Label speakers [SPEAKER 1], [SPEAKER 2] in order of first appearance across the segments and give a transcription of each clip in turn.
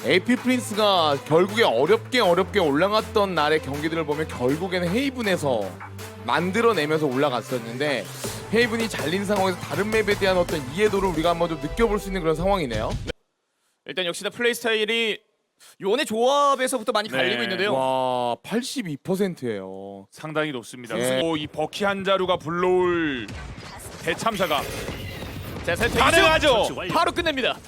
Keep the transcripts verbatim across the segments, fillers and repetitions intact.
[SPEAKER 1] 에이피 프린스가 결국에 어렵게 어렵게 올라갔던 날의 경기들을 보면 결국에는 헤이븐에서 만들어내면서 올라갔었는데 헤이븐이 잘린 상황에서 다른 맵에 대한 어떤 이해도를 우리가 한번 좀 느껴볼 수 있는 그런 상황이네요.
[SPEAKER 2] 일단 역시나 플레이 스타일이 요원의 조합에서부터 많이 갈리고
[SPEAKER 3] 네.
[SPEAKER 2] 있는데요.
[SPEAKER 1] 와 팔십이 퍼센트예요.
[SPEAKER 3] 상당히 높습니다.
[SPEAKER 1] 네.
[SPEAKER 3] 그리고 이 버키 한 자루가 불러올 대참사가
[SPEAKER 2] 자, 세트
[SPEAKER 3] 가능하죠.
[SPEAKER 2] 바로 끝냅니다.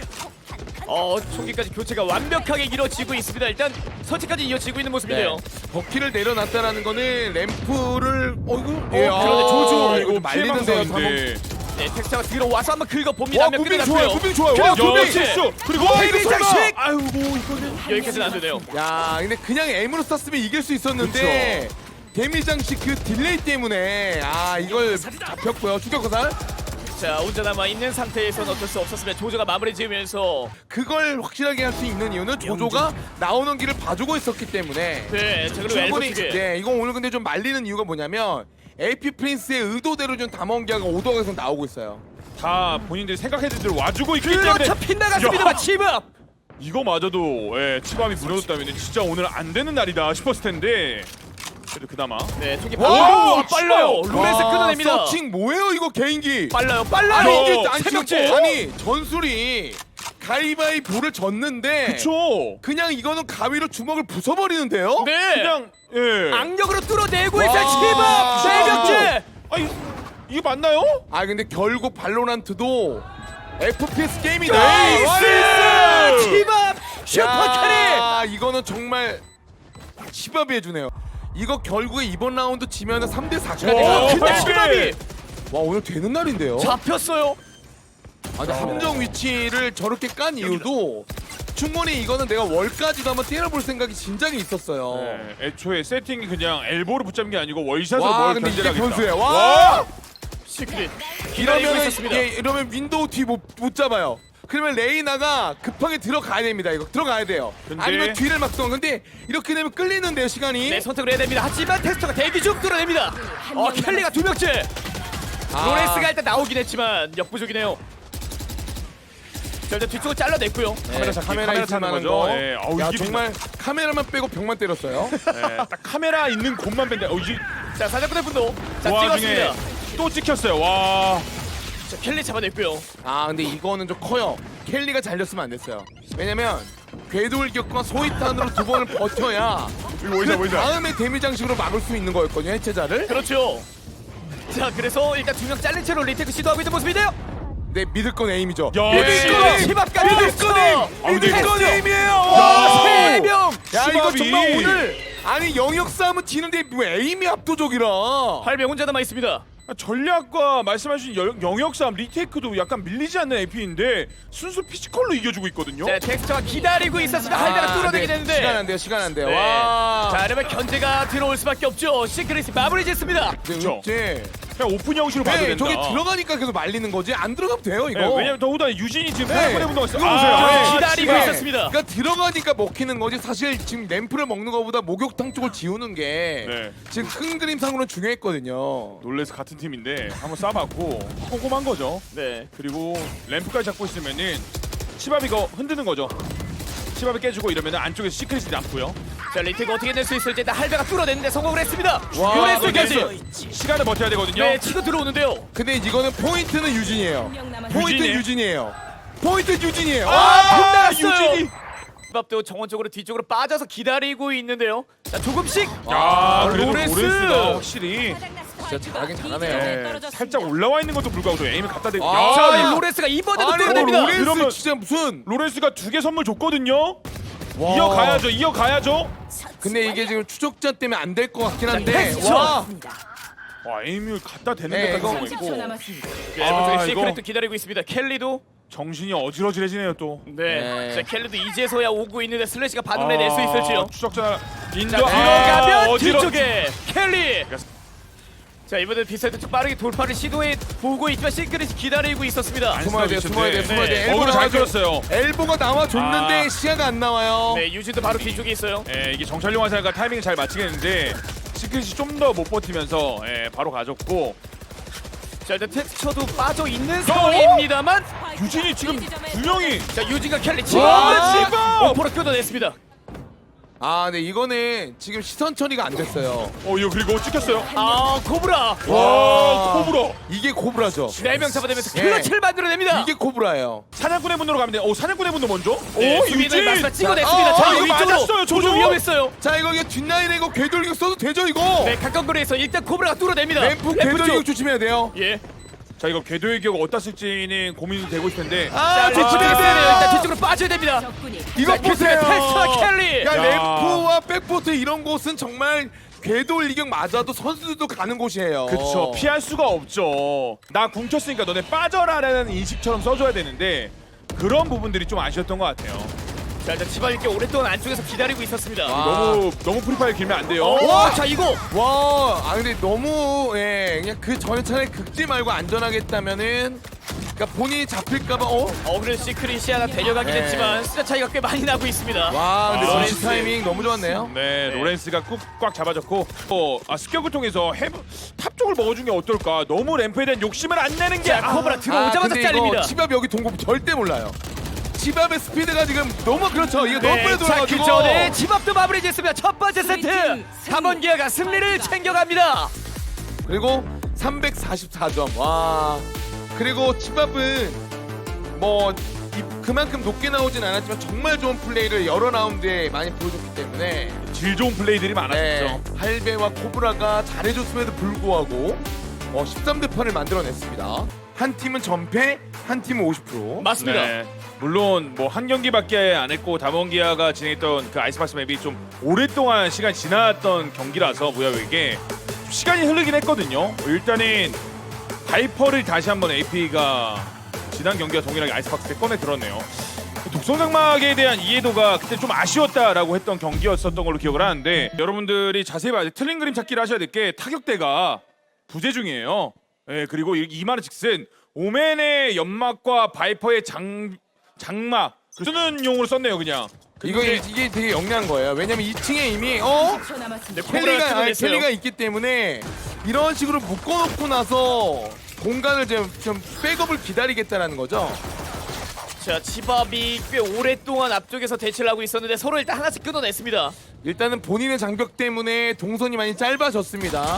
[SPEAKER 2] 어, 총기까지 교체가 완벽하게 이루어지고 있습니다. 일단 설치까지 이어지고 있는 모습이네요.
[SPEAKER 1] 버키를 내려놨다라는 거는 램프를 어이구
[SPEAKER 2] 예, 아, 그런데 조조.
[SPEAKER 1] 이거 좀 말리는데요.
[SPEAKER 3] 피해망상인데.
[SPEAKER 2] 네, 텍스처가 들어와서 한번 긁어봅니다.
[SPEAKER 1] 와
[SPEAKER 2] 몇
[SPEAKER 1] 무빙
[SPEAKER 2] 끝났고요.
[SPEAKER 1] 좋아요. 무빙 좋아요.
[SPEAKER 2] 그냥
[SPEAKER 1] 와
[SPEAKER 2] 무빙
[SPEAKER 1] 무빙
[SPEAKER 2] 실수.
[SPEAKER 3] 그리고
[SPEAKER 1] 헤이븐
[SPEAKER 3] 이거 설마.
[SPEAKER 1] 장식!
[SPEAKER 3] 아유 뭐 이거는
[SPEAKER 2] 여기까지는 안 되네요.
[SPEAKER 1] 야 근데 그냥 M으로 썼으면 이길 수 있었는데 데미 장식 그 딜레이 때문에 아 이걸 잡혔고요. 추격거살
[SPEAKER 2] 자, 혼자 남아 있는 상태에서는 어쩔 수 없었으면 조조가 마무리 지으면서
[SPEAKER 1] 그걸 확실하게 할 수 있는 이유는 조조가 나오는 길을 봐주고 있었기 때문에
[SPEAKER 2] 네, 자 그리고 엘보
[SPEAKER 1] 충분히
[SPEAKER 2] 튀기.
[SPEAKER 1] 네 이거 오늘 근데 좀 말리는 이유가 뭐냐면 에이피 프린스의 의도대로 좀 담원기아가 오도각에서 나오고 있어요.
[SPEAKER 3] 다 본인들이 생각했던 대로 와주고 있기 때문에
[SPEAKER 2] 그렇죠. 빗나갔습니다만 치밥.
[SPEAKER 3] 이거마저도 예, 치밥이 무너졌다면 진짜 오늘 안 되는 날이다 싶었을 텐데 그래도 그나마
[SPEAKER 2] 네, 총기
[SPEAKER 1] 와,
[SPEAKER 2] 오, 빨라요. 로렌스
[SPEAKER 1] 와,
[SPEAKER 2] 끊어냅니다.
[SPEAKER 1] 서칭 뭐예요 이거 개인기?
[SPEAKER 2] 빨라요, 빨라요.
[SPEAKER 1] 아니
[SPEAKER 3] 어,
[SPEAKER 1] 이게 아니, 지금
[SPEAKER 2] 새벽째.
[SPEAKER 1] 아니 전술이 가위바위보를 졌는데
[SPEAKER 3] 그쵸.
[SPEAKER 1] 그냥 이거는 가위로 주먹을 부숴버리는데요?
[SPEAKER 2] 네,
[SPEAKER 3] 그냥 예.
[SPEAKER 2] 악력으로 뚫어내고
[SPEAKER 1] 와.
[SPEAKER 2] 있어요. 치밥 새벽째.
[SPEAKER 3] 아니 이게 맞나요?
[SPEAKER 1] 아 근데 결국 발로란트도 에프피에스 게임이다.
[SPEAKER 2] 나이스! 치밥 슈퍼캐리.
[SPEAKER 1] 야, 이거는 정말 치밥이 해주네요. 이거 결국에 이번 라운드 지면은 삼 대 사가
[SPEAKER 3] 와,
[SPEAKER 1] 돼요.
[SPEAKER 2] 근데
[SPEAKER 3] 와.
[SPEAKER 2] 치밥이
[SPEAKER 1] 와 오늘 되는 날인데요.
[SPEAKER 2] 잡혔어요.
[SPEAKER 1] 아, 근데 함정 위치를 저렇게 깐 이유도 충분히 이거는 내가 월까지도 한번 때려볼 생각이 진작에 있었어요.
[SPEAKER 3] 네, 애초에 세팅이 그냥 엘보를 붙잡는 게 아니고 월샷으로
[SPEAKER 1] 와
[SPEAKER 3] 뭘
[SPEAKER 1] 근데 이게
[SPEAKER 3] 견제하겠다.
[SPEAKER 1] 변수예요. 와,
[SPEAKER 2] 시크릿 기다리고
[SPEAKER 1] 이러면
[SPEAKER 2] 있었습니다.
[SPEAKER 1] 예, 이러면 윈도우 뒤 못 못 잡아요. 그러면 레이나가 급하게 들어가야 됩니다. 이거 들어가야 돼요.
[SPEAKER 3] 근데-
[SPEAKER 1] 아니면 뒤를 막던. 근데 이렇게 되면 끌리는데요 시간이.
[SPEAKER 2] 네, 선택을 해야 됩니다. 하지만 테스터가 대기 중 뚫어냅니다. 어, 켈리가 두 명째.
[SPEAKER 1] 아.
[SPEAKER 2] 로렌스가 일단 나오긴 했지만 역부족이네요. 자, 일단 뒤쪽을 잘라냈고요.
[SPEAKER 3] 카메라 잡기,
[SPEAKER 1] 카메라
[SPEAKER 3] 카메라
[SPEAKER 1] 있을
[SPEAKER 3] 찾는
[SPEAKER 1] 만한
[SPEAKER 3] 거죠.
[SPEAKER 1] 거.
[SPEAKER 3] 예, 아우,
[SPEAKER 1] 야
[SPEAKER 3] 이게
[SPEAKER 1] 정말 카메라만 빼고 벽만 때렸어요.
[SPEAKER 3] 예, 딱 카메라 있는 곳만 뺀다. 어, 이제
[SPEAKER 2] 자, 사자꾼의 분노. 자,
[SPEAKER 3] 그 와중에
[SPEAKER 2] 찍었습니다.
[SPEAKER 3] 또 찍혔어요. 와.
[SPEAKER 2] 자, 켈리 잡아냈고요.
[SPEAKER 1] 아 근데 이거는 좀 커요. 켈리가 잘렸으면 안 됐어요. 왜냐면 궤도일격과 소위탄으로 두 번을 버텨야
[SPEAKER 3] 이거 보이자
[SPEAKER 1] 그
[SPEAKER 3] 보이자.
[SPEAKER 1] 다음에 데미 장식으로 막을 수 있는 거였거든요 해체자를.
[SPEAKER 2] 그렇죠. 자, 그래서 일단 두 명 잘린 채로 리테크 시도하고 있는 모습인데요.
[SPEAKER 1] 네 믿을 건 에임이죠.
[SPEAKER 3] 야,
[SPEAKER 1] 믿을 건 에임.
[SPEAKER 2] 치밥까지
[SPEAKER 1] 믿을 건 에임.
[SPEAKER 3] 아, 근데
[SPEAKER 1] 믿을
[SPEAKER 3] 이거-
[SPEAKER 1] 건 에임이에요.
[SPEAKER 2] 와, 세 명.
[SPEAKER 1] 야 이거
[SPEAKER 3] 치밥이-
[SPEAKER 1] 정말 오늘 아니 영역 싸움은 지는데 뭐 에임이 압도적이라.
[SPEAKER 2] 팔 명 혼자 남아 있습니다.
[SPEAKER 3] 전략과 말씀하신 여- 영역 싸움 리테이크도 약간 밀리지 않는 에이피인데 순수 피지컬로 이겨주고 있거든요.
[SPEAKER 2] 자, 텍스처가 기다리고 있었으면 할배가 뚫어내게
[SPEAKER 1] 네,
[SPEAKER 2] 되는데.
[SPEAKER 1] 시간 안 돼요 시간 안 돼요.
[SPEAKER 2] 네.
[SPEAKER 1] 와.
[SPEAKER 2] 자, 이러면 견제가 들어올 수밖에 없죠. 시크릿이 마무리 짓습니다.
[SPEAKER 1] 네,
[SPEAKER 3] 그쵸.
[SPEAKER 1] 네.
[SPEAKER 3] 그냥 오픈 형식으로 봐도
[SPEAKER 1] 네,
[SPEAKER 3] 된다.
[SPEAKER 1] 저기 들어가니까 계속 말리는 거지 안 들어가면 돼요 이거.
[SPEAKER 3] 네, 왜냐면 더구나 유진이 지금
[SPEAKER 1] 네.
[SPEAKER 3] 페라코네 분동가 있어요.
[SPEAKER 1] 이거 보세요. 네.
[SPEAKER 2] 기다리고
[SPEAKER 1] 네.
[SPEAKER 2] 있었습니다.
[SPEAKER 1] 그러니까 들어가니까 먹히는 거지 사실 지금 램프를 먹는 것보다 목욕탕 쪽을 지우는 게
[SPEAKER 3] 네.
[SPEAKER 1] 지금 큰 그림상으로는 중요했거든요.
[SPEAKER 3] 놀래서 같은 팀인데 한번 쏴봤고 꼼꼼한 거죠.
[SPEAKER 2] 네.
[SPEAKER 3] 그리고 램프까지 잡고 있으면은 치밥이 이거 흔드는 거죠. 치밥이 깨지고 이러면은 안쪽에서 시크릿이 남고요.
[SPEAKER 2] 자, 리테가 어떻게 낼 수 있을지 일단 할배가 뚫어내는데 성공을 했습니다.
[SPEAKER 1] 와,
[SPEAKER 2] 요네스까지.
[SPEAKER 3] 시간을 버텨야 되거든요.
[SPEAKER 2] 네, 치고 들어오는데요.
[SPEAKER 1] 근데 이거는 포인트는 유진이에요. 포인트
[SPEAKER 3] 유진이에요?
[SPEAKER 1] 유진이에요. 포인트 유진이에요.
[SPEAKER 2] 아, 빗나갔어요.
[SPEAKER 3] 유진이.
[SPEAKER 2] 밥도 정원적으로 뒤쪽으로 빠져서 기다리고 있는데요. 자, 조금씩.
[SPEAKER 3] 아, 그래도
[SPEAKER 2] 로렌스.
[SPEAKER 3] 로렌스가 확실히
[SPEAKER 1] 진짜 잘하긴 잘하네요.
[SPEAKER 3] 네, 살짝 올라와 있는 것도 불구하고 에임을 갖다 대고.
[SPEAKER 1] 아,
[SPEAKER 2] 자,
[SPEAKER 1] 야.
[SPEAKER 2] 이 로렌스가 이번에도
[SPEAKER 1] 아니 뭐
[SPEAKER 2] 뚫어냅니다.
[SPEAKER 1] 로렌스
[SPEAKER 3] 이러면-
[SPEAKER 1] 진짜 무슨
[SPEAKER 3] 로렌스가 두 개 선물 줬거든요.
[SPEAKER 1] 와.
[SPEAKER 3] 이어가야죠. 이어가야죠.
[SPEAKER 1] 근데 이게 지금 추적자 때문에 안 될 것 같긴 한데.
[SPEAKER 2] 텍스처.
[SPEAKER 1] 와.
[SPEAKER 3] 와, 에임을 갖다 대는
[SPEAKER 1] 네,
[SPEAKER 3] 데까지
[SPEAKER 1] 이거-
[SPEAKER 3] 성공했고
[SPEAKER 4] 삼십 초 남았습니다.
[SPEAKER 2] 네,
[SPEAKER 3] 아,
[SPEAKER 2] 아, 시크릿도
[SPEAKER 3] 이거-
[SPEAKER 2] 기다리고 있습니다. 켈리도.
[SPEAKER 3] 정신이 어지러지해지네요 또.
[SPEAKER 2] 네.
[SPEAKER 1] 네.
[SPEAKER 2] 자, 켈리도 이제서야 오고 있는데 슬래시가 반응을 낼 수 있을지요.
[SPEAKER 3] 추적자 인도
[SPEAKER 2] 자, 들어가면
[SPEAKER 3] 아, 어지러-
[SPEAKER 2] 뒤쪽에 켈리. 자, 이번에 비사이드 쪽 빠르게 돌파를 시도해 보고 있지만 시크릿이 기다리고 있었습니다.
[SPEAKER 1] 숨어야 돼, 숨어야 돼, 숨어야 돼.
[SPEAKER 2] 네.
[SPEAKER 1] 엘보가
[SPEAKER 3] 어그로 잘
[SPEAKER 1] 나와줘-
[SPEAKER 3] 끌었어요.
[SPEAKER 1] 엘보가 나와줬는데
[SPEAKER 3] 아.
[SPEAKER 1] 시야가 안 나와요.
[SPEAKER 2] 네, 유진도 바로 뒤쪽에 있어요.
[SPEAKER 3] 예, 이게 정찰용 화살과 타이밍을 잘 맞추겠는데 시크릿이 좀 더 못 버티면서 예, 바로 가졌고
[SPEAKER 2] 자, 일단 텍스처도 빠져 있는 상황입니다만
[SPEAKER 3] 유진이 지금 두 명이
[SPEAKER 2] 자, 유진과 켈리
[SPEAKER 3] 와,
[SPEAKER 2] 지금
[SPEAKER 3] 지금! 어!
[SPEAKER 2] 오퍼로 끊어냈습니다.
[SPEAKER 1] 아, 네 이거는 지금 시선 처리가 안 됐어요.
[SPEAKER 3] 어 이거 그리고 찍혔어요.
[SPEAKER 2] 아 코브라
[SPEAKER 3] 와 코브라.
[SPEAKER 1] 이게 코브라죠.
[SPEAKER 2] 네 명 잡아내면서
[SPEAKER 1] 예.
[SPEAKER 2] 클러치를 만들어냅니다.
[SPEAKER 1] 이게 코브라예요.
[SPEAKER 3] 사냥꾼의 분으로 가면 돼. 오 사냥꾼의 분도 먼저.
[SPEAKER 2] 네,
[SPEAKER 3] 오
[SPEAKER 2] 유빈을
[SPEAKER 3] 유진.
[SPEAKER 2] 마지막 찍어냈습니다.
[SPEAKER 1] 어,
[SPEAKER 2] 자,
[SPEAKER 1] 어,
[SPEAKER 2] 이거
[SPEAKER 3] 이거
[SPEAKER 2] 위쪽으로
[SPEAKER 3] 맞았어요, 조조.
[SPEAKER 2] 조조 위험했어요.
[SPEAKER 1] 자, 이거 이게 뒷라인에 이거 궤돌격 써도 되죠 이거?
[SPEAKER 2] 네, 가까운 거리에서 일단 코브라가 뚫어냅니다.
[SPEAKER 1] 램프
[SPEAKER 2] 램프 쪽.
[SPEAKER 1] 궤돌격 조심해야 돼요.
[SPEAKER 2] 예.
[SPEAKER 3] 자 이거 궤도의 기억 어디다 쓸지는 고민이 되고 있을 텐데.
[SPEAKER 1] 아,
[SPEAKER 2] 자, 뒤쪽으로
[SPEAKER 1] 아,
[SPEAKER 2] 빼야 돼요. 일단 뒤쪽으로 빠져야 됩니다.
[SPEAKER 1] 이거
[SPEAKER 2] 자,
[SPEAKER 1] 보세요.
[SPEAKER 2] 테스터 켈리.
[SPEAKER 1] 야,
[SPEAKER 3] 야.
[SPEAKER 1] 램프와 백포트 이런 곳은 정말 궤돌 이격 맞아도 선수들도 가는 곳이에요.
[SPEAKER 3] 그쵸 피할 수가 없죠. 나 궁켰으니까 너네 빠져라라는 인식처럼 써줘야 되는데 그런 부분들이 좀 아쉬웠던 것 같아요.
[SPEAKER 2] 자, 일단 치바 이렇게 오랫동안 안쪽에서 기다리고 있었습니다.
[SPEAKER 1] 와.
[SPEAKER 3] 너무 너무 프리파일 길면 안 돼요.
[SPEAKER 2] 오,
[SPEAKER 1] 와!
[SPEAKER 2] 자 이거
[SPEAKER 1] 와, 아 근데 너무 예, 그냥 그 전에 차라리 긁지 말고 안전하게 했다면은 그러니까 본인이 잡힐까봐 어?
[SPEAKER 2] 어 그래도 시크릿이 하나 데려가긴
[SPEAKER 1] 네.
[SPEAKER 2] 했지만 숫자 차이가 꽤 많이 나고 있습니다.
[SPEAKER 1] 와, 근데
[SPEAKER 3] 아,
[SPEAKER 1] 러시
[SPEAKER 2] 로렌스.
[SPEAKER 1] 타이밍 너무 좋았네요.
[SPEAKER 3] 네, 로렌스가 꾹 꽉 잡아줬고 어, 아, 습격을 통해서 해브, 탑 쪽을 먹어준 게 어떨까. 너무 램프에 대한 욕심을 안 내는 게
[SPEAKER 2] 자,
[SPEAKER 3] 아,
[SPEAKER 2] 코브라 들어오자마자
[SPEAKER 1] 근데
[SPEAKER 2] 잘립니다.
[SPEAKER 1] 이거 치밥 여기 동공 절대 몰라요. 치밥의 스피드가 지금 너무 그렇죠. 이게 너무 빨리
[SPEAKER 2] 자, 그
[SPEAKER 1] 돌아가지고.
[SPEAKER 2] 전에 집앞도 마무리됐습니다. 첫 번째 세트. 담원기아가 승리를 챙겨갑니다.
[SPEAKER 1] 그리고 삼백사십사 점. 와. 그리고 치밥은 뭐 이- 그만큼 높게 나오진 않았지만 정말 좋은 플레이를 여러 라운드에 많이 보여줬기 때문에
[SPEAKER 3] 질 좋은 플레이들이 많았죠.
[SPEAKER 1] 네, 할배와 코브라가 잘해줬음에도 불구하고 어, 십삼 대 팔을 만들어냈습니다. 한 팀은 전패, 한 팀은 오십 퍼센트.
[SPEAKER 2] 맞습니다.
[SPEAKER 3] 네. 물론 뭐 한 경기밖에 안 했고 담원기아가 진행했던 그 아이스박스 맵이 좀 오랫동안 시간이 지났던 경기라서 무야에게 시간이 흐르긴 했거든요. 일단은 바이퍼를 다시 한번 에이피가 지난 경기와 동일하게 아이스박스에 꺼내 들었네요. 독성장막에 대한 이해도가 그때 좀 아쉬웠다라고 했던 경기였었던 걸로 기억을 하는데 여러분들이 자세히 봐야 돼. 틀린 그림 찾기를 하셔야 될 게 타격대가 부재 중이에요. 예, 그리고 이- 이마르 직슨 오맨의 연막과 바이퍼의 장 장막 그 쓰는 용으로 썼네요 그냥.
[SPEAKER 1] 이거
[SPEAKER 3] 근데
[SPEAKER 1] 이게 되게 영리한 거예요. 왜냐면 이 층에 이미 어
[SPEAKER 2] 네, 코브라가
[SPEAKER 1] 켈리가 아니,
[SPEAKER 2] 끊어냈어요.
[SPEAKER 1] 켈리가 있기 때문에 이런 식으로 묶어놓고 나서 공간을 좀, 좀 백업을 기다리겠다라는 거죠.
[SPEAKER 2] 자, 치밥이 꽤 오랫동안 앞쪽에서 대치를 하고 있었는데 서로 일단 하나씩 끊어냈습니다.
[SPEAKER 1] 일단은 본인의 장벽 때문에 동선이 많이 짧아졌습니다.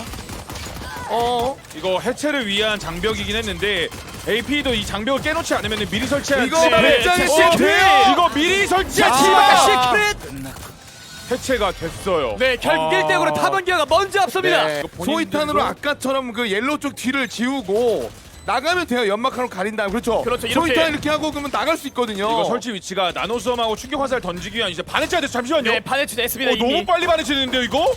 [SPEAKER 1] 어
[SPEAKER 3] 이거 해체를 위한 장벽이긴 했는데 에이피도 이 장벽을 깨놓지 않으면 미리 설치한
[SPEAKER 1] 이거
[SPEAKER 3] 네.
[SPEAKER 1] 굉장히
[SPEAKER 2] 자,
[SPEAKER 1] 시크해요.
[SPEAKER 3] 이거 미리 설치한
[SPEAKER 1] 아.
[SPEAKER 2] 치밥과 시크릿.
[SPEAKER 3] 해체가 됐어요.
[SPEAKER 2] 네, 결국 일 대 영으로 담원기아가 먼저 앞섭니다.
[SPEAKER 1] 네.
[SPEAKER 3] 본인들도-
[SPEAKER 1] 소이탄으로 아까처럼 그 옐로우 쪽 뒤를 지우고 나가면 돼요. 연막하로 가린 다음 그렇죠.
[SPEAKER 2] 그렇죠, 이렇게.
[SPEAKER 1] 소이탄 이렇게 하고 그러면 나갈 수 있거든요.
[SPEAKER 3] 이거 설치 위치가 나노수험하고 충격 화살 던지기 위한 이제 반해체가 됐어. 잠시만요.
[SPEAKER 2] 네, 반해치 됐습니다.
[SPEAKER 3] 어,
[SPEAKER 2] 이미.
[SPEAKER 3] 너무 빨리 반해체되는데요 이거?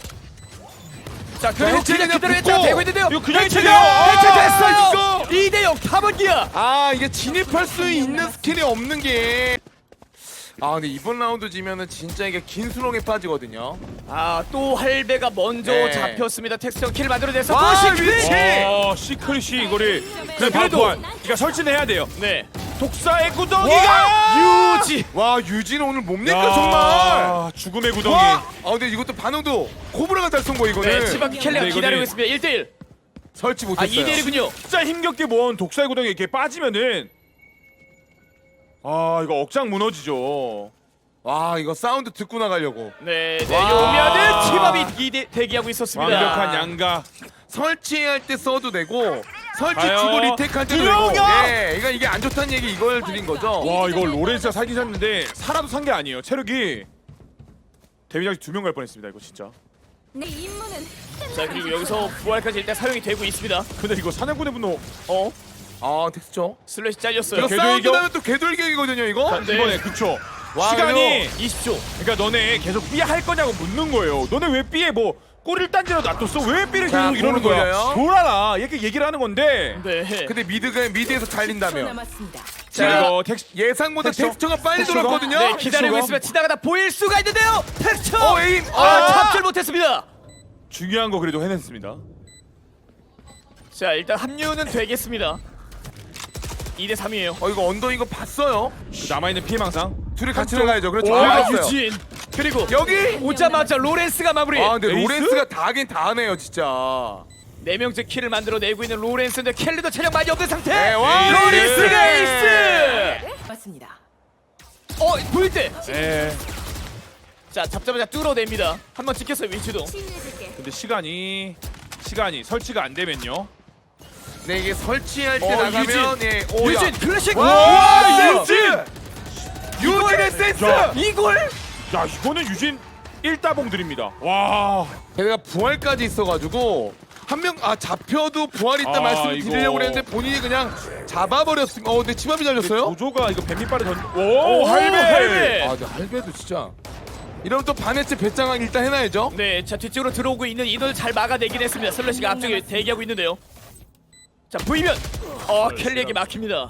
[SPEAKER 2] 자, 그리고
[SPEAKER 1] 해체가
[SPEAKER 2] 그냥 그대로
[SPEAKER 1] 붙고.
[SPEAKER 2] 해체가 되고 있는데요.
[SPEAKER 3] 이거 그냥
[SPEAKER 2] 해체가
[SPEAKER 3] 해체돼요.
[SPEAKER 2] 해체됐어요.
[SPEAKER 1] 이거.
[SPEAKER 2] 이 대 영 담원기아.
[SPEAKER 1] 아 이게 진입할 수 있는 스킬이 없는 게. 아 근데 이번 라운드 지면은 진짜 이게 긴 수렁에 빠지거든요.
[SPEAKER 2] 아, 또 할배가 먼저
[SPEAKER 1] 네.
[SPEAKER 2] 잡혔습니다. 텍스처 킬을 만들어냈어.
[SPEAKER 1] 와,
[SPEAKER 2] 또 시크릿.
[SPEAKER 1] 위치!
[SPEAKER 3] 와 시크릿이 이거를 그래 바로
[SPEAKER 2] 그래도-
[SPEAKER 3] 보안. 그러니까 설치는 해야 돼요.
[SPEAKER 2] 네.
[SPEAKER 3] 독사의 구덩이가
[SPEAKER 2] 유지.
[SPEAKER 1] 와 유진 오늘 뭡니까 정말.
[SPEAKER 3] 야, 죽음의 구덩이.
[SPEAKER 1] 와. 아 근데 이것도 반응도 코브라가 잘 쏜 거 이거는.
[SPEAKER 2] 네, 치바키 켈리가
[SPEAKER 3] 근데
[SPEAKER 2] 기다리고
[SPEAKER 3] 이거는-
[SPEAKER 2] 있습니다. 일 대 일.
[SPEAKER 1] 설치
[SPEAKER 2] 아,
[SPEAKER 1] 못했어요.
[SPEAKER 2] 이 대 일이군요.
[SPEAKER 3] 진짜 힘겹게 모은 독사의 구덩이 이렇게 빠지면은 아 이거 억장 무너지죠.
[SPEAKER 1] 와 이거 사운드 듣고 나가려고.
[SPEAKER 2] 네,
[SPEAKER 1] 와.
[SPEAKER 2] 내려오면은 치밥이 이 대 대기하고 있었습니다.
[SPEAKER 3] 완벽한 양가.
[SPEAKER 1] 설치할 때 써도 되고 설치
[SPEAKER 3] 가요.
[SPEAKER 1] 주고 리테크할 때도 되고.
[SPEAKER 3] 들어오냐?
[SPEAKER 1] 네, 이거 이게 안 좋다는 얘기 이걸 드린 거죠.
[SPEAKER 3] 와 이거 로렌스가 살긴 샀는데 살아도 산 게 아니에요. 체력이 데미지 두 명 갈 뻔했습니다. 이거 진짜.
[SPEAKER 4] 내 임무는
[SPEAKER 2] 자, 그리고 여기서 부활까지 일단 사용이 되고 있습니다.
[SPEAKER 3] 근데 이거 사냥꾼의 분노
[SPEAKER 2] 어?
[SPEAKER 1] 아 텍스처.
[SPEAKER 2] 슬래시 잘렸어요.
[SPEAKER 1] 이거
[SPEAKER 3] 궤도
[SPEAKER 1] 사운드
[SPEAKER 3] 이겨?
[SPEAKER 1] 나면 또 궤돌격이거든요 이거.
[SPEAKER 2] 네.
[SPEAKER 3] 이번에 그쵸.
[SPEAKER 1] 와,
[SPEAKER 3] 시간이
[SPEAKER 2] 이십 초.
[SPEAKER 3] 그러니까 너네 계속 삐 할 거냐고 묻는 거예요. 너네 왜 삐에 뭐 꼬리를 딴지로 놔뒀어? 왜 삐를
[SPEAKER 1] 자,
[SPEAKER 3] 계속 이러는
[SPEAKER 1] 공을
[SPEAKER 3] 거야?
[SPEAKER 1] 돌려요.
[SPEAKER 3] 돌아라 이렇게 얘기를 하는 건데.
[SPEAKER 2] 네.
[SPEAKER 1] 근데 미드가 미드에서
[SPEAKER 4] 초
[SPEAKER 1] 잘린다면
[SPEAKER 4] 남았습니다.
[SPEAKER 3] 자 이거 텍스
[SPEAKER 1] 예상보다
[SPEAKER 3] 텍스처?
[SPEAKER 1] 텍스처가 빨리
[SPEAKER 3] 텍스처가?
[SPEAKER 1] 돌았거든요.
[SPEAKER 2] 네, 기다리고
[SPEAKER 3] 텍스처가?
[SPEAKER 2] 있으면 지나가다 보일 수가 있는데요. 텍스처.
[SPEAKER 1] 어, 에임.
[SPEAKER 2] 아,
[SPEAKER 1] 아.
[SPEAKER 2] 잡질 못했습니다.
[SPEAKER 3] 중요한 거 그래도 해냈습니다.
[SPEAKER 2] 자, 일단 합류는 되겠습니다. 이 대 삼이에요.
[SPEAKER 1] 어 이거 언더 이거 봤어요.
[SPEAKER 3] 그 남아있는 피해망상.
[SPEAKER 1] 둘이 같이 나가야죠. 그렇죠.
[SPEAKER 2] 와,
[SPEAKER 1] 아, 봤어요.
[SPEAKER 2] 유진. 그리고
[SPEAKER 1] 여기.
[SPEAKER 2] 오자마자 로렌스가 마무리.
[SPEAKER 1] 아 근데
[SPEAKER 3] 에이스?
[SPEAKER 1] 로렌스가 다 하긴 다 하네요 진짜.
[SPEAKER 2] 네 명째 킬을 만들어내고 있는 로렌스인데 켈리도 체력 많이 없는 상태.
[SPEAKER 1] 네, 와,
[SPEAKER 2] 로렌스가
[SPEAKER 1] 에이스!
[SPEAKER 2] 에이스.
[SPEAKER 4] 맞습니다.
[SPEAKER 2] 어 보일 때.
[SPEAKER 3] 예.
[SPEAKER 2] 자 잡자마자 뚫어냅니다. 한번 찍혔어요 위치도.
[SPEAKER 3] 근데 시간이 시간이 설치가 안 되면요.
[SPEAKER 1] 네, 이게 설치할 때
[SPEAKER 2] 어,
[SPEAKER 1] 나가면 예, 오, 야.
[SPEAKER 2] 유진 클래식.
[SPEAKER 1] 와,
[SPEAKER 3] 유진!
[SPEAKER 1] 유진의 센스!
[SPEAKER 3] 야.
[SPEAKER 2] 이걸
[SPEAKER 3] 야 이거는 유진 일다봉 드립니다. 와.
[SPEAKER 1] 걔가 부활까지 있어가지고 한 명 아 잡혀도 부활 있다
[SPEAKER 3] 아,
[SPEAKER 1] 말씀을
[SPEAKER 3] 이거.
[SPEAKER 1] 드리려고 그랬는데 본인이 그냥 잡아버렸습니다. 어, 근데 치밥이 잘렸어요?
[SPEAKER 3] 조조가 이거 뱀밑발에 던.
[SPEAKER 2] 오,
[SPEAKER 3] 오 할배.
[SPEAKER 2] 할배!
[SPEAKER 1] 아, 근데 할배도 진짜. 이러면 또 반해체 배짱왕 일단 해놔야죠.
[SPEAKER 2] 네, 자 뒤쪽으로 들어오고 있는 인원을 잘 막아내긴 했습니다. 슬래시가 앞쪽에 대기하고 있는데요. 자 보이면 어 켈리에게 막힙니다.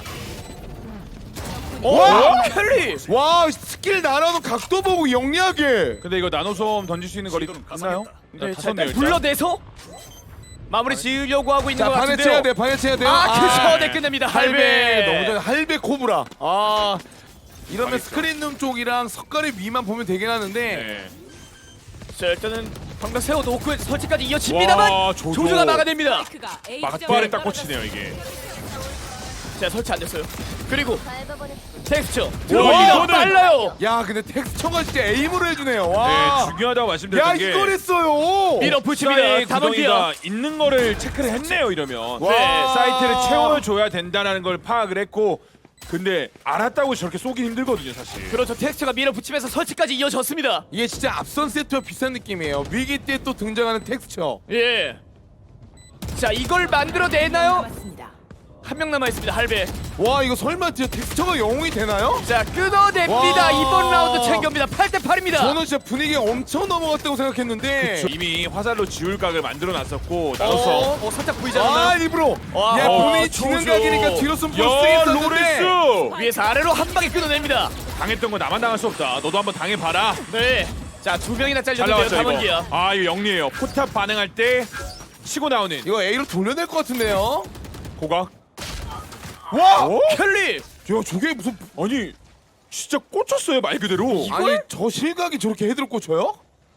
[SPEAKER 2] 오
[SPEAKER 1] 와!
[SPEAKER 2] 켈리.
[SPEAKER 1] 와, 스킬 날아오는 각도 보고 영리하게.
[SPEAKER 3] 근데 이거 나노솜 던질 수 있는 거리 있나요?
[SPEAKER 2] 네,
[SPEAKER 3] 다
[SPEAKER 2] 자
[SPEAKER 3] 썼네요.
[SPEAKER 2] 일단 불러내서 마무리 지으려고 하고 있는
[SPEAKER 1] 자,
[SPEAKER 2] 것
[SPEAKER 1] 반해체해야
[SPEAKER 2] 같은데요.
[SPEAKER 1] 돼, 반해체해야 돼요.
[SPEAKER 2] 아, 그쵸, 네, 끝냅니다. 할배.
[SPEAKER 1] 너무 잘, 할배 코브라. 아, 이러면 스크린룸 쪽이랑 석가리 위만 보면 되긴 하는데.
[SPEAKER 3] 네.
[SPEAKER 2] 자 일단은 방금 세워놓고 설치까지 이어집니다만
[SPEAKER 3] 와, 조조.
[SPEAKER 2] 조조가 막아냅니다.
[SPEAKER 3] 막발에 딱 꽂히네요 이게.
[SPEAKER 2] 자 설치 안 됐어요. 그리고 텍스처
[SPEAKER 3] 와,
[SPEAKER 2] 들어옵니다.
[SPEAKER 3] 이거는-
[SPEAKER 2] 빨라요.
[SPEAKER 1] 야, 근데 텍스처가 진짜 에임으로 해주네요. 와.
[SPEAKER 3] 네 중요하다고
[SPEAKER 1] 야,
[SPEAKER 3] 말씀드렸던 게.
[SPEAKER 1] 이걸 했어요.
[SPEAKER 2] 밀어붙입니다.
[SPEAKER 3] 사이
[SPEAKER 2] 담원기야.
[SPEAKER 3] 구덩이가 있는 거를 체크를 했네요 이러면.
[SPEAKER 1] 와.
[SPEAKER 3] 네, 사이트를 채워줘야 된다는 걸 파악을 했고 근데 알았다고 저렇게 쏘긴 힘들거든요 사실.
[SPEAKER 2] 그렇죠. 텍스처가 밀어붙이면서 설치까지 이어졌습니다.
[SPEAKER 1] 이게 진짜 앞선 세트와 비슷한 느낌이에요. 위기 때 또 등장하는 텍스처.
[SPEAKER 2] 예. 자 이걸 만들어내나요? 한 명 남아 있습니다. 할배.
[SPEAKER 1] 와, 이거 설마 진짜 텍스처가 영웅이 되나요?
[SPEAKER 2] 자 끊어냅니다.
[SPEAKER 1] 와.
[SPEAKER 2] 이번 라운드 챙깁니다. 팔 대 팔입니다.
[SPEAKER 1] 저는 진짜 분위기 엄청 넘어갔다고 생각했는데.
[SPEAKER 3] 이미 화살로 지울 각을 만들어 놨었고
[SPEAKER 2] 어,
[SPEAKER 3] 나눠서.
[SPEAKER 2] 어 살짝 보이지
[SPEAKER 1] 아,
[SPEAKER 2] 않나요?
[SPEAKER 1] 일부러.
[SPEAKER 2] 와.
[SPEAKER 1] 야,
[SPEAKER 2] 어,
[SPEAKER 1] 본인이 지는
[SPEAKER 3] 조조.
[SPEAKER 1] 각이니까 뒤로 숨 볼수
[SPEAKER 3] 야
[SPEAKER 1] 있었는데.
[SPEAKER 3] 로렌스
[SPEAKER 2] 위에서 아래로 한 방에 끊어냅니다.
[SPEAKER 3] 당했던 거 나만 당할 수 없다. 너도 한번 당해봐라.
[SPEAKER 2] 네. 자 두 명이나
[SPEAKER 3] 잘
[SPEAKER 2] 잘렸는데요.
[SPEAKER 3] 나왔죠
[SPEAKER 2] 담원기야.
[SPEAKER 3] 이거. 아 이거 영리해요. 포탑 반응할 때 치고 나오는
[SPEAKER 1] 이거 A로 돌려낼 것 같은데요?
[SPEAKER 3] 고각.
[SPEAKER 1] 와!
[SPEAKER 3] 어?
[SPEAKER 2] 켈리.
[SPEAKER 1] 야, 저게 무슨.
[SPEAKER 3] 아니 진짜 꽂혔어요 말 그대로.
[SPEAKER 1] 아니, 저 실각이 저렇게 헤드로 꽂혀요?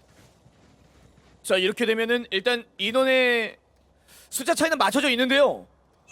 [SPEAKER 2] 자 이렇게 되면은 일단 인원의 숫자 차이는 맞춰져 있는데요.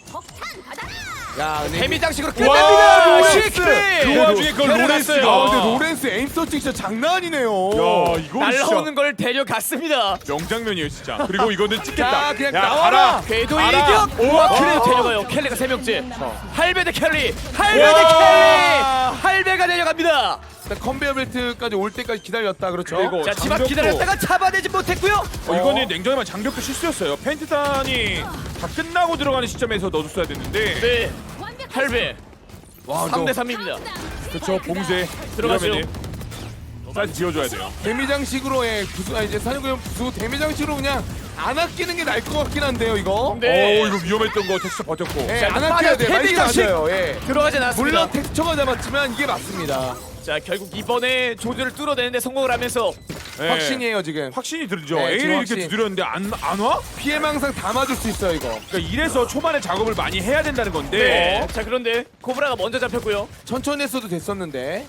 [SPEAKER 1] 야, 근데.
[SPEAKER 2] 데미 장식으로
[SPEAKER 1] 와,
[SPEAKER 2] 끝냅니다.
[SPEAKER 1] 로렌스!
[SPEAKER 2] 시크릿.
[SPEAKER 3] 그 와중에 그걸
[SPEAKER 2] 켈리
[SPEAKER 3] 로렌스가.
[SPEAKER 2] 났어요.
[SPEAKER 1] 아, 근데 로렌스 에임 서칭 진짜 장난 아니네요.
[SPEAKER 3] 야 이거
[SPEAKER 2] 날라오는
[SPEAKER 3] 진짜
[SPEAKER 2] 걸 데려갔습니다.
[SPEAKER 3] 명장면이에요 진짜. 그리고 이거는
[SPEAKER 1] 자,
[SPEAKER 3] 찍겠다.
[SPEAKER 1] 그냥
[SPEAKER 3] 야,
[SPEAKER 1] 나와라.
[SPEAKER 3] 가라.
[SPEAKER 2] 궤도
[SPEAKER 3] 가라.
[SPEAKER 2] 일격.
[SPEAKER 3] 오,
[SPEAKER 2] 와
[SPEAKER 3] 오.
[SPEAKER 2] 켈리도 데려가요. 켈리가 세 명째. 할배 대 켈리. 할배 대
[SPEAKER 1] 와.
[SPEAKER 2] 켈리. 할배가 데려갑니다.
[SPEAKER 1] 일단 컨베이어 벨트까지 올 때까지 기다렸다, 그렇죠?
[SPEAKER 3] 그리고
[SPEAKER 2] 자 집 앞
[SPEAKER 3] 장벽도-
[SPEAKER 2] 기다렸다가 잡아내지 못했고요.
[SPEAKER 3] 어, 이거는 냉정하면 장벽도 실수였어요. 펜트탄이 다 끝나고 들어가는 시점에서 넣어줬어야 됐는데.
[SPEAKER 2] 네. 할배.
[SPEAKER 1] 와,
[SPEAKER 2] 삼 대
[SPEAKER 1] 저
[SPEAKER 2] 삼입니다.
[SPEAKER 3] 그렇죠 봉쇄
[SPEAKER 2] 들어가죠.
[SPEAKER 3] 이러면은 사이즈 지어줘야 돼요.
[SPEAKER 1] 데미장식으로 예, 부수, 아, 이제 사냥구형 부수 데미장식으로 그냥 안 아끼는 게 나을 것 같긴 한데요, 이거.
[SPEAKER 2] 네.
[SPEAKER 3] 오 이거 위험했던 거 텍스처 버텼고.
[SPEAKER 1] 예,
[SPEAKER 2] 자,
[SPEAKER 1] 안
[SPEAKER 2] 빠져,
[SPEAKER 1] 아껴야 돼. 말이
[SPEAKER 2] 데미장식.
[SPEAKER 1] 맞아요. 예.
[SPEAKER 2] 들어가진 않았습니다.
[SPEAKER 1] 물론 텍스처가 잡았지만 이게 맞습니다.
[SPEAKER 2] 자 결국 이번에 조조를 뚫어내는데 성공을 하면서
[SPEAKER 3] 네.
[SPEAKER 1] 확신이에요, 지금.
[SPEAKER 3] 확신이 들죠.
[SPEAKER 1] 네,
[SPEAKER 3] A를
[SPEAKER 1] 지금
[SPEAKER 3] 이렇게
[SPEAKER 1] 확신.
[SPEAKER 3] 두드렸는데 안, 안 와?
[SPEAKER 1] 피해망 항상 다 맞을 수 있어요, 이거.
[SPEAKER 3] 그러니까 이래서 초반에 작업을 많이 해야 된다는 건데.
[SPEAKER 2] 네. 자 그런데 코브라가 먼저 잡혔고요.
[SPEAKER 1] 천천히 했어도 됐었는데.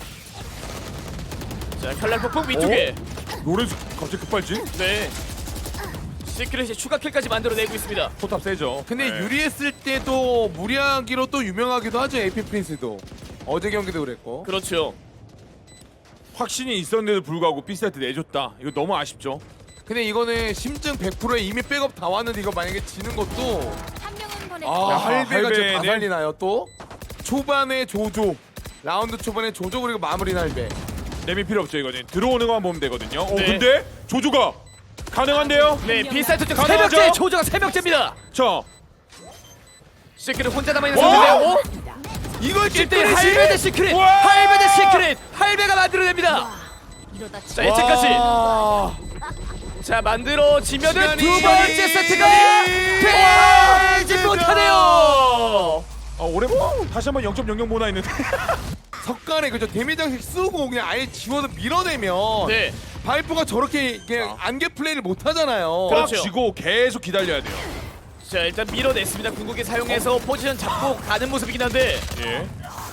[SPEAKER 2] 자 칼날 폭풍 위쪽에.
[SPEAKER 3] 로렌스 갑자기 급발진?
[SPEAKER 2] 네. 시크릿이 추가 킬까지 만들어내고 있습니다.
[SPEAKER 3] 포탑 세죠.
[SPEAKER 1] 근데
[SPEAKER 3] 네.
[SPEAKER 1] 유리했을 때도 무리하기로 또 유명하기도 하죠, 에이피 프린스도. 어제 경기도 그랬고.
[SPEAKER 2] 그렇죠.
[SPEAKER 3] 확신이 있었는데도 불구하고 B세트 내줬다. 이거 너무 아쉽죠.
[SPEAKER 1] 근데 이거는 심증 백 퍼센트에 이미 백업 다 왔는데 이거 만약에 지는 것도 아,
[SPEAKER 3] 야,
[SPEAKER 1] 할배가 진짜 다
[SPEAKER 3] 할배는-
[SPEAKER 1] 살리나요 또? 초반에 조조 라운드 초반에 조조 그리고 마무리는 할배.
[SPEAKER 3] 내밀 필요 없죠 이거는. 들어오는 것만 보면 되거든요. 어
[SPEAKER 2] 네.
[SPEAKER 3] 근데 조조가 가능한데요?
[SPEAKER 2] 네 비사이트 쪽
[SPEAKER 3] 가능하죠?
[SPEAKER 2] 세 명째 조조가 세 명째입니다.
[SPEAKER 3] 자
[SPEAKER 2] 시크릿 혼자 남아있는
[SPEAKER 3] 와!
[SPEAKER 2] 상태인데요. 어?
[SPEAKER 1] 이걸
[SPEAKER 2] 일 대 일
[SPEAKER 1] 찌끄리지?
[SPEAKER 2] 할배 대 시크릿.
[SPEAKER 3] 와!
[SPEAKER 2] 할배 대 시크릿. 할배가 만들어냅니다. 자 예측까지.
[SPEAKER 1] 와.
[SPEAKER 2] 자 만들어지면은
[SPEAKER 1] 시간이-
[SPEAKER 2] 두 번째 세트가
[SPEAKER 1] 와,
[SPEAKER 2] 되지
[SPEAKER 1] 진짜.
[SPEAKER 2] 못하네요.
[SPEAKER 3] 아, 올해 뭐 다시 한번 영 점 영영 모나 있는데.
[SPEAKER 1] 석간에 그죠 데미장식 쓰고 그냥 아예 지워서 밀어내면
[SPEAKER 2] 네.
[SPEAKER 1] 바이퍼가 저렇게 그냥 안개 플레이를 못 하잖아요.
[SPEAKER 2] 그럼-
[SPEAKER 3] 꽉
[SPEAKER 2] 그렇죠.
[SPEAKER 3] 쥐고 계속 기다려야 돼요.
[SPEAKER 2] 자 일단 밀어냈습니다. 궁극기 사용해서 포지션 잡고 가는 모습이긴 한데
[SPEAKER 3] 예.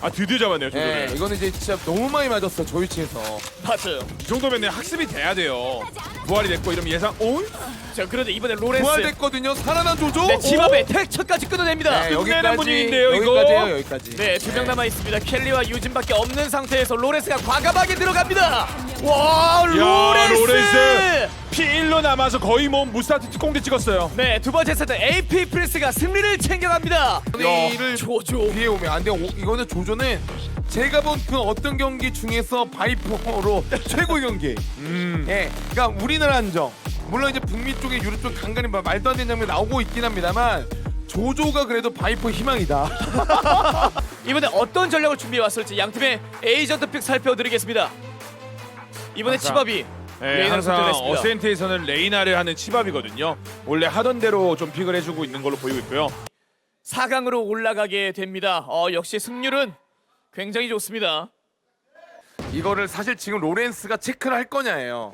[SPEAKER 3] 아 드디어 잡았네요.
[SPEAKER 1] 예,
[SPEAKER 3] 조조를.
[SPEAKER 1] 이거는 이제 진짜 너무 많이 맞았어 저 위치에서.
[SPEAKER 2] 맞아요.
[SPEAKER 3] 이 정도면 학습이 돼야 돼요. 부활이 됐고 이러면 예상. 오?
[SPEAKER 2] 자 그런데 이번에 로렌스
[SPEAKER 1] 부활됐거든요. 살아난 조조.
[SPEAKER 2] 네, 집 앞에 텍처까지 끊어냅니다.
[SPEAKER 1] 네,
[SPEAKER 3] 끝내는 분위기인데요, 이거.
[SPEAKER 1] 여기까지예요, 여기까지.
[SPEAKER 2] 네, 두 명 남아 있습니다. 켈리와 유진밖에 없는 상태에서 로렌스가 과감하게 들어갑니다. 와, 로렌스!
[SPEAKER 3] 로렌스! 피 일로 남아서 거의 뭐 무스타트 특공대 찍었어요.
[SPEAKER 2] 네, 두 번째 세트 에이피 프린스가 승리를 챙겨갑니다.
[SPEAKER 1] 이를
[SPEAKER 2] 조조.
[SPEAKER 1] 뒤에 오면 안 돼. 이거는 조조는 제가 본 그 어떤 경기 중에서 바이퍼로 최고의 경기.
[SPEAKER 3] 음.
[SPEAKER 1] 예, 그러니까 우리나라 한정. 물론 이제 북미 쪽에 유럽 쪽 간간히 막 말도 안 되는 장면이 나오고 있긴 합니다만 조조가 그래도 바이퍼 희망이다.
[SPEAKER 2] 이번에 어떤 전략을 준비해 왔을지 양 팀의 에이전트 픽 살펴드리겠습니다. 이번에
[SPEAKER 3] 항상-
[SPEAKER 2] 치밥이
[SPEAKER 3] 네,
[SPEAKER 2] 레이나를
[SPEAKER 3] 항상
[SPEAKER 2] 선택했습니다.
[SPEAKER 3] 어센트에서는 레이나를 하는 치밥이거든요. 원래 하던 대로 좀 픽을 해주고 있는 걸로 보이고 있고요.
[SPEAKER 2] 사 강으로 올라가게 됩니다. 어, 역시 승률은 굉장히 좋습니다.
[SPEAKER 1] 이거를 사실 지금 로렌스가 체크를 할 거냐예요.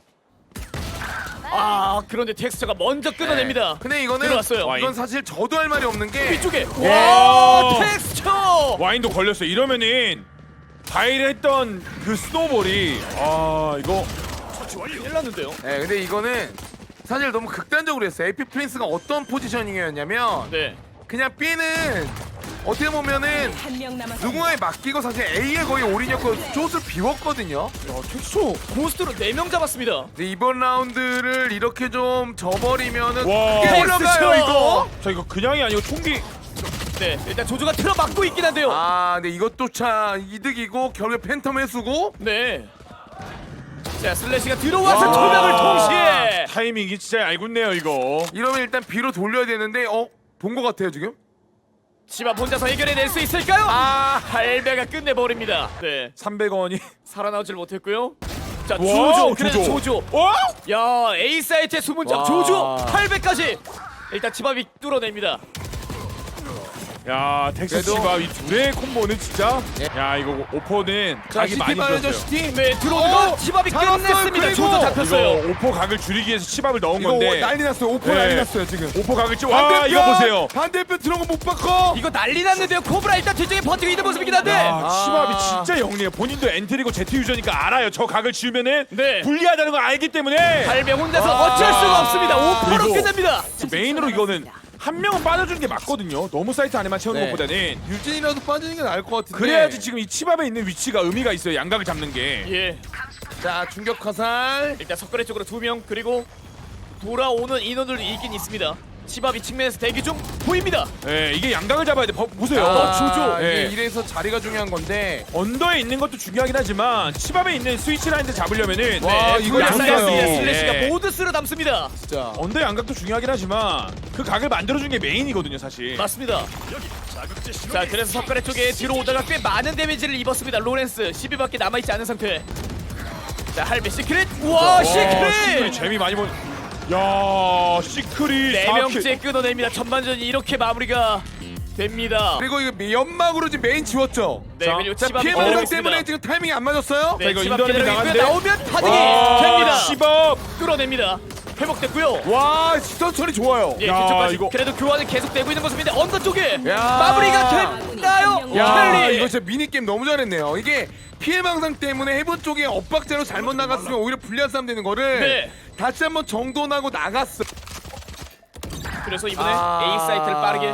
[SPEAKER 2] 아, 그런데 텍스처가 먼저 끊어냅니다.
[SPEAKER 1] 네. 근데 이거는
[SPEAKER 2] 들어왔어요.
[SPEAKER 1] 이건 사실 저도 할 말이 없는 게
[SPEAKER 2] 위쪽에
[SPEAKER 3] 예.
[SPEAKER 2] 와, 텍스처!
[SPEAKER 3] 와인도 걸렸어요. 이러면은 바이를 했던 그 스노볼이 아 이거
[SPEAKER 2] 큰일 났는데요.
[SPEAKER 1] 네, 근데 이거는 사실 너무 극단적으로 했어요. 에이피 프린스가 어떤 포지셔닝이었냐면
[SPEAKER 2] 네.
[SPEAKER 1] 그냥 B는 어떻게 보면은
[SPEAKER 4] 한명 남았습니다.
[SPEAKER 1] 누군가에 맡기고 사실 A에 거의 올인했고 숏을 비웠거든요.
[SPEAKER 2] 텍스처 고스트로 네 명 잡았습니다.
[SPEAKER 1] 근데 이번 라운드를 이렇게 좀 져버리면은
[SPEAKER 3] 와.
[SPEAKER 1] 크게 올라가요 이거.
[SPEAKER 3] 자 이거 그냥이 아니고 총기
[SPEAKER 2] 네, 일단 조조가 틀어 막고 있긴 한데요.
[SPEAKER 1] 아, 근데 이것도 참 이득이고 결국에 팬텀 해수고.
[SPEAKER 2] 네. 자, 슬래시가 들어와서
[SPEAKER 3] 와.
[SPEAKER 2] 투명을 동시에.
[SPEAKER 3] 타이밍이 진짜 얄궂네요 이거.
[SPEAKER 1] 이러면 일단 B로 돌려야 되는데 어? 본 것 같아요 지금?
[SPEAKER 2] 치밥 혼자서 해결해낼 수 있을까요?
[SPEAKER 1] 아,
[SPEAKER 2] 할배가 끝내버립니다. 네,
[SPEAKER 3] 삼백 원이
[SPEAKER 2] 살아나오질 못했고요. 자,
[SPEAKER 3] 와,
[SPEAKER 2] 조조, 그래도
[SPEAKER 3] 조조.
[SPEAKER 2] 조조.
[SPEAKER 3] 와?
[SPEAKER 2] 야, A 사이트의 수문장
[SPEAKER 1] 와.
[SPEAKER 2] 조조 할배까지. 일단 치밥이 뚫어냅니다.
[SPEAKER 3] 야 텍스
[SPEAKER 1] 그래도-
[SPEAKER 3] 치밥 이 둘의 콤보는 진짜
[SPEAKER 1] 예.
[SPEAKER 3] 야 이거 오퍼는
[SPEAKER 1] 자
[SPEAKER 3] 각이
[SPEAKER 1] 시티
[SPEAKER 3] 많이
[SPEAKER 1] 빠르죠
[SPEAKER 3] 들었어요.
[SPEAKER 1] 시티.
[SPEAKER 2] 네, 들어오는 거
[SPEAKER 1] 어,
[SPEAKER 2] 치밥이
[SPEAKER 1] 잡았어요.
[SPEAKER 2] 끝냈습니다.
[SPEAKER 1] 그리고
[SPEAKER 2] 조조 잡혔어요.
[SPEAKER 3] 이거 오퍼 각을 줄이기 위해서 치밥을 넣은
[SPEAKER 1] 이거
[SPEAKER 3] 건데
[SPEAKER 1] 난리 났어요. 오퍼
[SPEAKER 3] 네.
[SPEAKER 1] 난리 났어요 지금.
[SPEAKER 3] 오퍼 각을 찌. 와 이거 보세요.
[SPEAKER 1] 반대편 들어온 거 못 바꿔.
[SPEAKER 2] 이거 난리 났는데요. 코브라 일단 뒤쪽에 버티고 있는 모습이긴 한데.
[SPEAKER 3] 야
[SPEAKER 1] 아.
[SPEAKER 3] 치밥이 진짜 영리해요. 본인도 엔트리고 제트 유저니까 알아요. 저 각을 지우면은
[SPEAKER 2] 네.
[SPEAKER 3] 불리하다는 걸 알기 때문에
[SPEAKER 2] 할배 혼자서
[SPEAKER 1] 와.
[SPEAKER 2] 어쩔 수가 없습니다. 오퍼로
[SPEAKER 3] 그리고-
[SPEAKER 2] 끝냅니다.
[SPEAKER 3] 메인으로 이거는 한 명은 빠져주는 게 맞거든요. 너무 사이트 안에만 채우는
[SPEAKER 1] 네.
[SPEAKER 3] 것보다는
[SPEAKER 1] 유진이라도 빠지는 게 나을 것 같은데.
[SPEAKER 3] 그래야지 지금 이 치밥에 있는 위치가 의미가 있어요. 양각을 잡는 게.
[SPEAKER 2] 예.
[SPEAKER 1] 자 중격 화살.
[SPEAKER 2] 일단 석가래 쪽으로 두 명 그리고 돌아오는 인원들도 있긴 있습니다. 치밥이 측면에서 대기 중 보입니다.
[SPEAKER 3] 예, 이게 양각을 잡아야 돼. 버- 보세요.
[SPEAKER 2] 아, 조조.
[SPEAKER 1] 이게
[SPEAKER 3] 예.
[SPEAKER 1] 이래서 자리가 중요한 건데.
[SPEAKER 3] 언더에 있는 것도 중요하긴 하지만 치밥에 있는 스위치 라인들 잡으려면은
[SPEAKER 1] 와,
[SPEAKER 2] 네,
[SPEAKER 1] 이거
[SPEAKER 2] 양사이드
[SPEAKER 1] 양사요.
[SPEAKER 2] 슬래시가
[SPEAKER 3] 예.
[SPEAKER 2] 모두 쓸어 담습니다.
[SPEAKER 1] 진짜.
[SPEAKER 3] 언더 양각도 중요하긴 하지만 그 각을 만들어준 게 메인이거든요, 사실.
[SPEAKER 2] 맞습니다. 자, 그래서 석가래 쪽에 뒤로 오다가 꽤 많은 데미지를 입었습니다. 로렌스 십위밖에 남아있지 않은 상태. 자, 할배 시크릿. 우와,
[SPEAKER 3] 와, 시크릿
[SPEAKER 2] 시크릿.
[SPEAKER 3] 재미 많이 본. 야, 시크릿.
[SPEAKER 2] 네
[SPEAKER 3] 사 킬.
[SPEAKER 2] 명째 끊어냅니다. 전반전이 이렇게 마무리가 됩니다.
[SPEAKER 1] 그리고 이거 연막으로 지금 메인 지웠죠.
[SPEAKER 2] 네,
[SPEAKER 3] 자,
[SPEAKER 2] 그리고
[SPEAKER 1] 자
[SPEAKER 2] 치밥이
[SPEAKER 1] 피해
[SPEAKER 2] 기다리고
[SPEAKER 1] 방상
[SPEAKER 2] 있습니다.
[SPEAKER 1] 때문에 지금 타이밍이 안 맞았어요.
[SPEAKER 2] 네,
[SPEAKER 3] 자, 이거
[SPEAKER 2] 치밥
[SPEAKER 3] 인더는
[SPEAKER 2] 기다리고 있고요.
[SPEAKER 3] 나가는데?
[SPEAKER 2] 나오면 파딩이
[SPEAKER 3] 와,
[SPEAKER 2] 됩니다.
[SPEAKER 3] 치밥.
[SPEAKER 2] 끌어냅니다. 회복됐고요.
[SPEAKER 1] 와 시선처리 좋아요.
[SPEAKER 2] 예,
[SPEAKER 3] 야,
[SPEAKER 2] 뒤쪽까지
[SPEAKER 3] 이거-
[SPEAKER 2] 그래도 교환은 계속되고 있는 모습인데 언더 쪽에
[SPEAKER 1] 야.
[SPEAKER 2] 마무리가 됐나요?
[SPEAKER 1] 야
[SPEAKER 2] 켈리.
[SPEAKER 1] 이거 진짜 미니게임 너무 잘했네요. 이게 피해 방상 때문에 해본 쪽에 엇박자로 잘못 나갔으면 오히려 불리한 싸움 되는 거를
[SPEAKER 2] 네.
[SPEAKER 1] 다시 한번 정돈하고 나갔어.
[SPEAKER 2] 그래서 이번에
[SPEAKER 1] 아.
[SPEAKER 2] A 사이트를 빠르게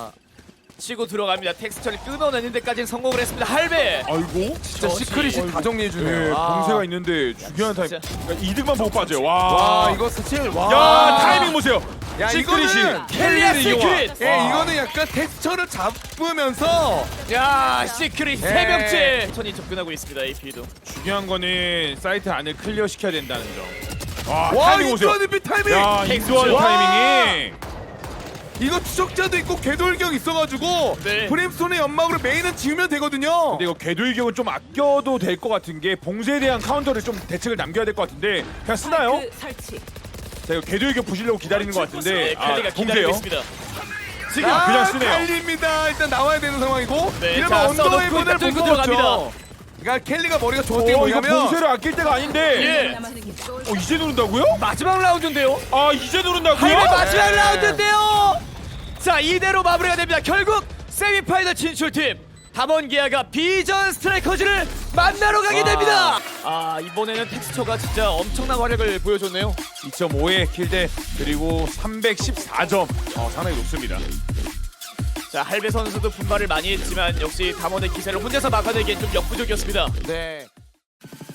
[SPEAKER 2] 치고 들어갑니다. 텍스처를 끊어내는 데까지는 성공을 했습니다. 할배.
[SPEAKER 3] 아이고.
[SPEAKER 1] 진짜
[SPEAKER 2] 저지.
[SPEAKER 1] 시크릿이 다 정리해주네요.
[SPEAKER 3] 네,
[SPEAKER 1] 아.
[SPEAKER 3] 봉쇄가 있는데 중요한 타임.
[SPEAKER 2] 진짜.
[SPEAKER 3] 그러니까 이득만 보고 빠져요. 와.
[SPEAKER 1] 와 이거 사실 와.
[SPEAKER 3] 야, 타이밍 보세요.
[SPEAKER 1] 야,
[SPEAKER 3] 시크릿이.
[SPEAKER 1] 이거는
[SPEAKER 2] 켈리의
[SPEAKER 3] 켈리를 이용한.
[SPEAKER 2] 시크릿.
[SPEAKER 1] 예
[SPEAKER 3] 와.
[SPEAKER 1] 이거는 약간 텍스처를 잡으면서
[SPEAKER 2] 야, 시크릿 세
[SPEAKER 1] 네.
[SPEAKER 2] 명째 천이 접근하고 있습니다. 에이피도.
[SPEAKER 3] 중요한 거는 사이트 안을 클리어 시켜야 된다는 점. 와,
[SPEAKER 1] 와
[SPEAKER 3] 타이밍 보세요.
[SPEAKER 1] 인도하는 타이밍.
[SPEAKER 3] 야, 인도하는
[SPEAKER 1] 와.
[SPEAKER 3] 타이밍이.
[SPEAKER 1] 이거 추적자도 있고 궤돌격 있어가지고
[SPEAKER 2] 네.
[SPEAKER 1] 브림스톤의 연막으로 메인은 지우면 되거든요.
[SPEAKER 3] 근데 이거 궤도일격은 좀 아껴도 될 것 같은 게 봉쇄에 대한 카운터를 좀 대책을 남겨야 될 것 같은데 그냥 쓰나요?
[SPEAKER 4] 그 설치.
[SPEAKER 3] 자 이거 궤도일격 부시려고 기다리는 것 같은데
[SPEAKER 2] 네, 켈리가 기다리고
[SPEAKER 3] 봉쇄요?
[SPEAKER 2] 있습니다.
[SPEAKER 3] 지금
[SPEAKER 1] 아,
[SPEAKER 3] 그냥 쓰네요.
[SPEAKER 1] 칼리입니다. 일단 나와야 되는 상황이고
[SPEAKER 2] 네,
[SPEAKER 1] 이러면
[SPEAKER 2] 자,
[SPEAKER 1] 언더의
[SPEAKER 2] 써놓고
[SPEAKER 1] 문을
[SPEAKER 2] 일단
[SPEAKER 1] 못
[SPEAKER 2] 뚫고
[SPEAKER 1] 먹었죠.
[SPEAKER 2] 들어갑니다.
[SPEAKER 1] 그러니까 켈리가 머리가 좋았던 게
[SPEAKER 3] 어, 이거
[SPEAKER 1] 뭐냐면
[SPEAKER 3] 봉쇄를 아낄 때가 아닌데
[SPEAKER 2] 예.
[SPEAKER 4] 남았습니다.
[SPEAKER 3] 어, 이제 누른다고요?
[SPEAKER 2] 마지막 라운드인데요.
[SPEAKER 3] 아 이제 누른다고요?
[SPEAKER 2] 할배 마지막
[SPEAKER 1] 네.
[SPEAKER 2] 라운드인데요. 자, 이대로 마무리가 됩니다. 결국 세미파이널 진출팀 담원기아가 비전 스트라이커즈를 만나러 가게
[SPEAKER 3] 와.
[SPEAKER 2] 됩니다. 아 이번에는 텍스처가 진짜 엄청난 활약을 보여줬네요.
[SPEAKER 3] 이 점 오의 킬대 그리고 삼백십사 점 어, 상당히 높습니다.
[SPEAKER 2] 자 할배 선수도 분발을 많이 했지만 역시 담원의 기세를 혼자서 막아내기엔 좀 역부족이었습니다.
[SPEAKER 1] 네.